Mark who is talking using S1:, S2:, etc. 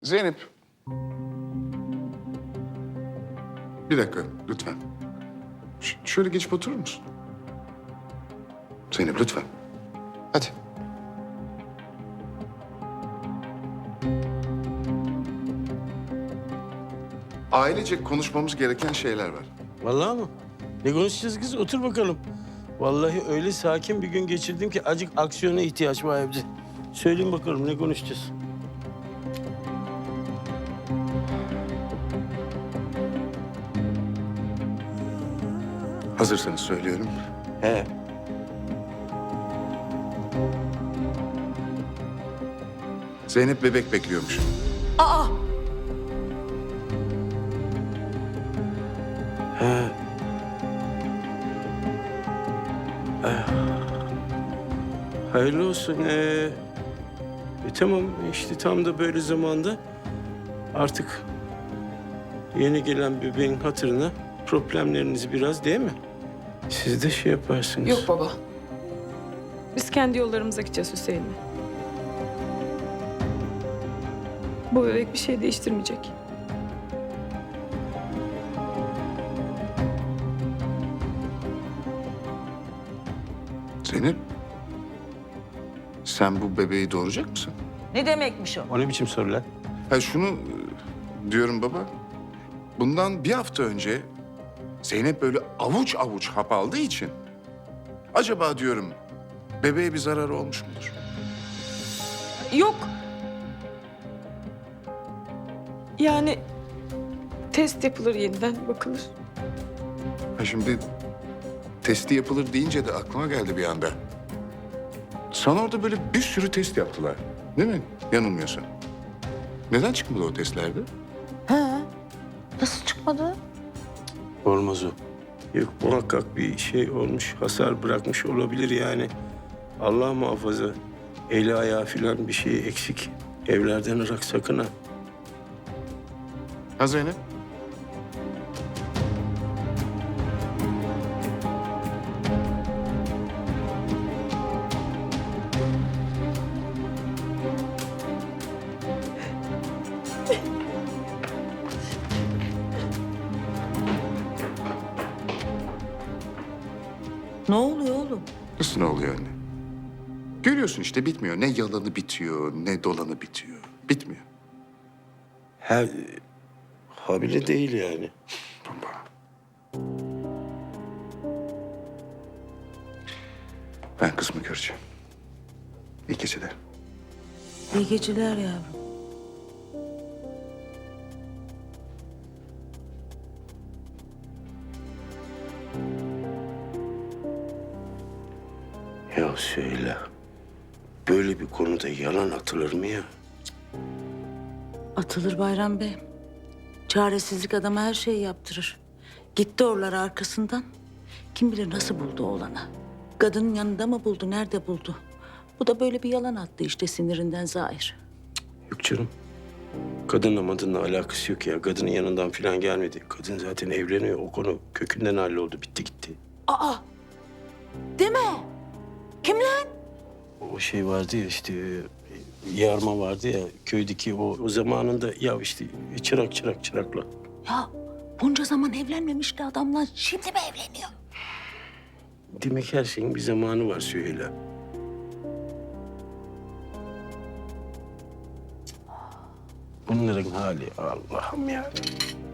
S1: Zeynep. Bir dakika lütfen. Şöyle geçip oturur musun? Zeynep lütfen. Hadi. Ailecek konuşmamız gereken şeyler var.
S2: Vallahi mı? Ne konuşacağız kız? Otur bakalım. Vallahi öyle sakin bir gün geçirdim ki acık aksiyona ihtiyaç var evde. Söyleyin bakalım ne konuşacağız?
S1: Hazırsanız söylüyorum.
S2: He.
S1: Zeynep bebek bekliyormuş.
S3: Aa!
S2: He. Hayırlı olsun. Tamam işte tam da böyle zamanda artık yeni gelen bebeğin hatırına problemlerinizi biraz değil mi? Siz de şey yaparsınız.
S3: Yok baba. Biz kendi yollarımıza gideceğiz Hüseyin'le. Bu bebek bir şey değiştirmeyecek.
S1: Zeynep. Sen bu bebeği doğuracak mısın?
S4: Ne demekmiş o?
S2: O ne biçim soru lan?
S1: Ha şunu diyorum baba. Bundan bir hafta önce Zeynep böyle avuç avuç hap aldığı için acaba diyorum bebeğe bir zararı olmuş mudur?
S3: Yok. Yani test yapılır yeniden bakılır.
S1: Ha şimdi testi yapılır deyince de aklıma geldi bir anda. Sana orada böyle bir sürü test yaptılar. Değil mi? Yanılmıyorsun. Neden çıkmadı o testlerde?
S4: Ha? Nasıl çıkmadı?
S2: Olmaz o. Yok muhakkak bir şey olmuş, hasar bırakmış olabilir yani. Allah muhafaza. Eli ayağı filan bir şey eksik. Evlerden ırak sakın ha.
S1: Ha Zeynep?
S4: Ne oluyor oğlum?
S1: Nasıl ne oluyor anne? Görüyorsun işte bitmiyor. Ne yalanı bitiyor, ne dolanı bitiyor. Bitmiyor.
S2: Ha, habire değil yani.
S1: Baba. Ben kızımı göreceğim. İyi geceler.
S4: İyi geceler yavrum.
S2: Ya söyle. Böyle bir konuda yalan atılır mı ya?
S4: Atılır Bayram Bey. Çaresizlik adama her şeyi yaptırır. Gitti oralara arkasından. Kim bilir nasıl buldu oğlanı. Kadının yanında mı buldu, nerede buldu? Bu da böyle bir yalan attı işte sinirinden zahir.
S2: Yok canım. Kadınla madınla alakası yok ya. Kadının yanından falan gelmedi. Kadın zaten evleniyor. O konu kökünden halloldu. Bitti gitti.
S4: Aa! Deme! Kim lan?
S2: O şey vardı ya işte yarma vardı ya köydeki o zamanında ya işte çırakla.
S4: Ya bunca zaman evlenmemişti adamlar. Şimdi mi evleniyor?
S2: Demek her şeyin bir zamanı var Süheyla. Bunların hali Allah'ım ya.